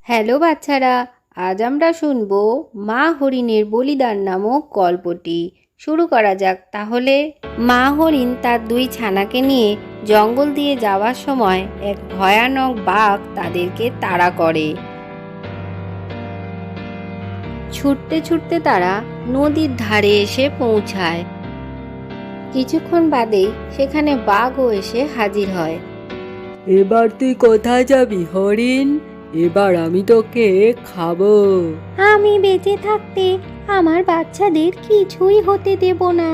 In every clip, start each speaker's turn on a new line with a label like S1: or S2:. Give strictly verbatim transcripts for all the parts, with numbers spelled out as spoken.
S1: Hello বাচ্চারা, আজ আমরা শুনব মা হরিণের বলিদান নামক গল্পটি। শুরু করা যাক তাহলে। মা হরিণ তার দুই ছানাকে নিয়ে জঙ্গল দিয়ে যাওয়ার সময় এক ভয়ানক বাঘ তাদেরকে তাড়া করে। ছুটতে ছুটতে তারা নদীর ধারে এসে পৌঁছায়। কিছুক্ষণ বাদেই সেখানে বাঘও এসে হাজির হয়।
S2: এবার তুই কোথায় যাবি হরিণ? এবার আমি তোকে খাবো।
S1: আমি বেঁচে থাকতে আমার বাচ্চাদের কিছুই হতে দেব না।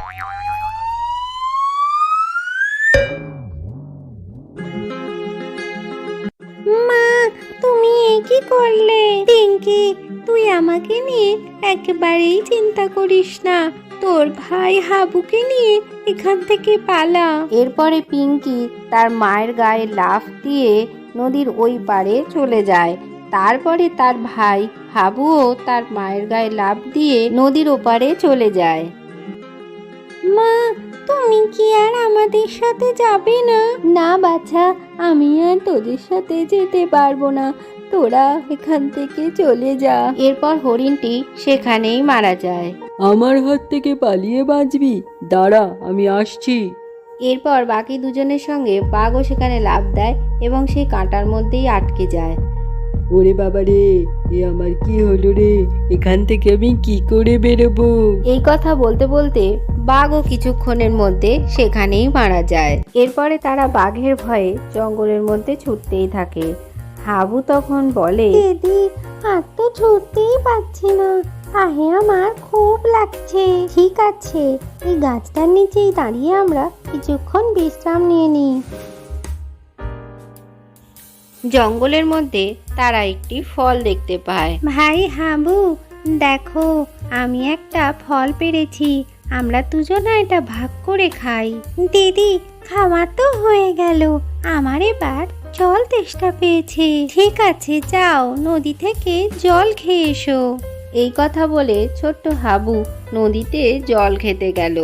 S1: মা, তুমি এ কি করলে? পিঙ্কি, তুই আমাকে নিয়ে একেবারেই চিন্তা করিস না। তোর ভাই হাবুকে নিয়ে এখান থেকে পালা। এরপরে পিঙ্কি তার মায়ের গায়ে লাফ দিয়ে নদীর ওই পারে চলে যায়। তারপরে তার ভাই হাবুও তার মায়ের গায়ে লাফ দিয়ে নদীর ওপারে চলে যায়। মা, তুমি কি আর আমাদের সাথে যাবে না? না বাছা, আমি আর তোদের সাথে যেতে পারবো না। তোরা এখান থেকে চলে যা। এরপর হরিণটি সেখানেই মারা যায়।
S2: আমার হাত থেকে পালিয়ে বাঁচবি? দাঁড়া, আমি আসছি।
S1: এরপর বাকি দুজনের সঙ্গে বাঘও সেখানে লাফ দেয় এবং সেই কাঁটার মধ্যেই আটকে যায়।
S2: ওরে বাবা রে, এ আমার কি হলো রে? এখান থেকে আমি কি করে বেরোবো?
S1: এই কথা বলতে বলতে বাঘও কিছুক্ষণের মধ্যে সেখানেই মারা যায়। এরপরে তারা বাঘের ভয়ে জঙ্গলের মধ্যে ছুটতেই থাকে। হাবু তখন বলে, দিদি, আর তো ছুটতেই পারছি না, আহে আমার খুব লাগছে। ঠিক আছে, এই গাছটার নিচেই দাঁড়িয়ে আমরা কিছুক্ষণ বিশ্রাম নিয়ে নিই। জঙ্গলের মধ্যে তারা একটি ফল দেখতে পায়। ভাই হাবু, দেখো, আমি একটা ফল পেরেছি। আমরা দুজনা এটা ভাগ করে খাই। দিদি, খাওয়া তো হয়ে গেল, আমার এবার জল তেষ্টা পেয়েছে। ঠিক আছে, যাও নদী থেকে জল খেয়ে এসো। এই কথা বলে ছোট্ট হাবু নদীতে জল খেতে গেল।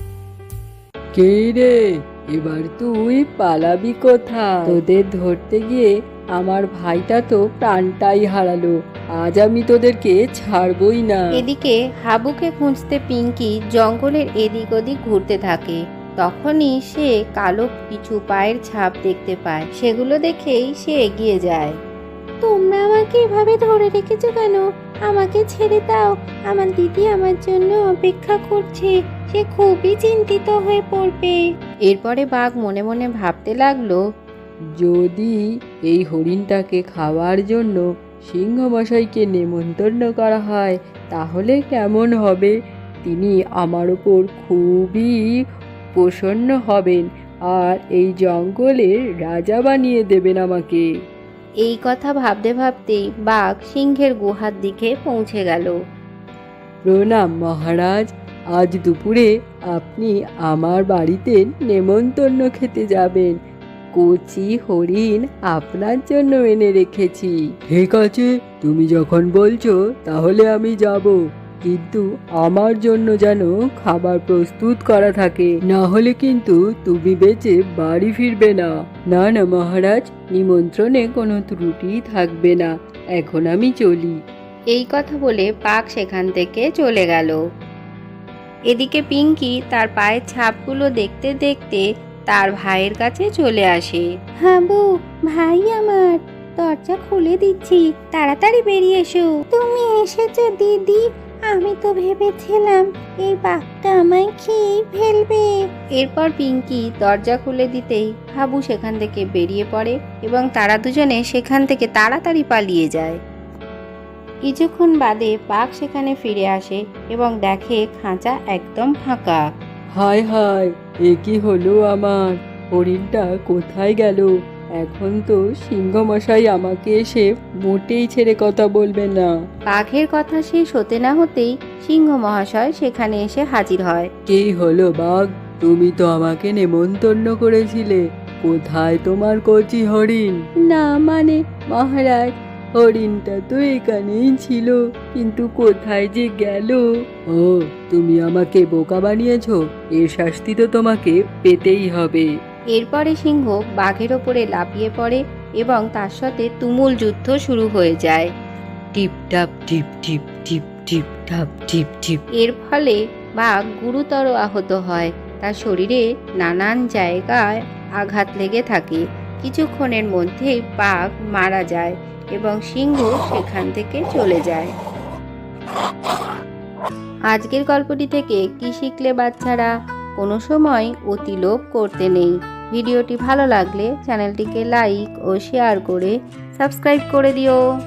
S2: কে রে, এবার তুই পালাবি কোথায়? তোদের ধরতে গিয়ে আমার ভাইটা তো প্রাণটাই হারালো। আজ আমি তোদেরকে ছাড়বই না।
S1: এদিকে হাবুকে খুঁজতে পিঙ্কি জঙ্গলের এদিক ওদিক ঘুরতে থাকে। তখনই সে কালো কিছু পায়ের ছাপ দেখতে পায়। সেগুলো দেখেই সে এগিয়ে যায়। তোমরা আমাকে এভাবে ধরে রেখেছো কেন? আমাকে ছেড়ে দাও, আমার দিদি আমার জন্য অপেক্ষা করছে। সে খুবই চিন্তিত হয়ে পড়বে। এরপরে বাঘ মনে মনে ভাবতে লাগলো,
S2: যদি এই হরিণটাকে খাওয়ার জন্য সিংহ মশাইকে নেমন্তন্ন করা হয় তাহলে কেমন হবে? তিনি আমার ওপর খুবই প্রসন্ন হবেন আর এই জঙ্গলের রাজা বানিয়ে দেবেন আমাকে।
S1: এই কথা ভাবতে ভাবতেই বাঘ সিংহের গুহার দিকে পৌঁছে গেল।
S2: প্রণাম মহারাজ, আজ দুপুরে আপনি আমার বাড়িতে নেমন্তন্ন খেতে যাবেন। কচি হরিণ আপনার জন্য এনে রেখেছি। ঠিক আছে, তুমি যখন বলছো তাহলে আমি যাব, কিন্তু আমার জন্য যেন খাবার প্রস্তুত করা থাকে, না হলে কিন্তু তুমি বেঁচে বাড়ি ফিরবে না। না না মহারাজ, নিমন্ত্রণে কোনো ত্রুটি থাকবে না। এখন আমি চলি।
S1: এই কথা বলে বাঘ সেখান থেকে চলে গেল। এদিকে পিঙ্কি তার পায়ের ছাপগুলো দেখতে দেখতে তার ভাইয়ের কাছে চলে আসে। হাবু, ভাই আমার, দরজা খুলে দিচ্ছি, তাড়াতাড়ি বেরিয়ে এসো। তুমি এসেছো দিদি, আমি তো ভেবেছিলাম এই বাঘটা আমায় খেয়ে ফেলবে। এরপর পিঙ্কি দরজা খুলে দিতেই হাবু সেখান থেকে বেরিয়ে পড়ে এবং তারা দুজনে সেখান থেকে তাড়াতাড়ি পালিয়ে যায়। কিছুক্ষণ বাদে বাঘ সেখানে ফিরে আসে এবং দেখে খাঁচা একদম ফাঁকা।
S2: হায় হায়, এ কি হলো আমার? হরিণটা কোথায় গেল? এখন তো সিংহ মশাই আমাকে এসে মোটেই ছেড়ে কথা বলবে না।
S1: বাঘের কথা শেষ হতে না হতেই সিংহ মহাশয় সেখানে এসে হাজির হয়।
S2: কি হলো বাঘ, তুমি তো আমাকে নেমন্তন্ন করেছিলে, কোথায় তোমার কচি হরিণ? না মানে মহারাজ, হরিণটা তো এখানেই ছিল, কিন্তু কোথায় যে গেল। ও, তুমি আমাকে বোকা বানিয়েছো, এর শাস্তি তো তোমাকে পেতেই হবে।
S1: এরপরে সিংহ বাঘের ওপরে লাফিয়ে পড়ে এবং তার সাথে তুমুল যুদ্ধ শুরু হয়ে যায়। টিপ টাপ টিপ টিপ টিপ টিপ টাপ টিপ টিপ। এর ফলে বাঘ গুরুতর আহত হয়, তার শরীরে নানান জায়গায় আঘাত লেগে থাকে। কিছুক্ষণের মধ্যেই বাঘ মারা যায় এবং সিংহ সেখান থেকে চলে যায়। আজকের গল্পটি থেকে কি শিখলে বাচ্চারা? কোনো সময় অতি লোভ করতে নেই। ভিডিওটি ভালো লাগলে চ্যানেলটিকে লাইক ও শেয়ার করে সাবস্ক্রাইব করে দিও।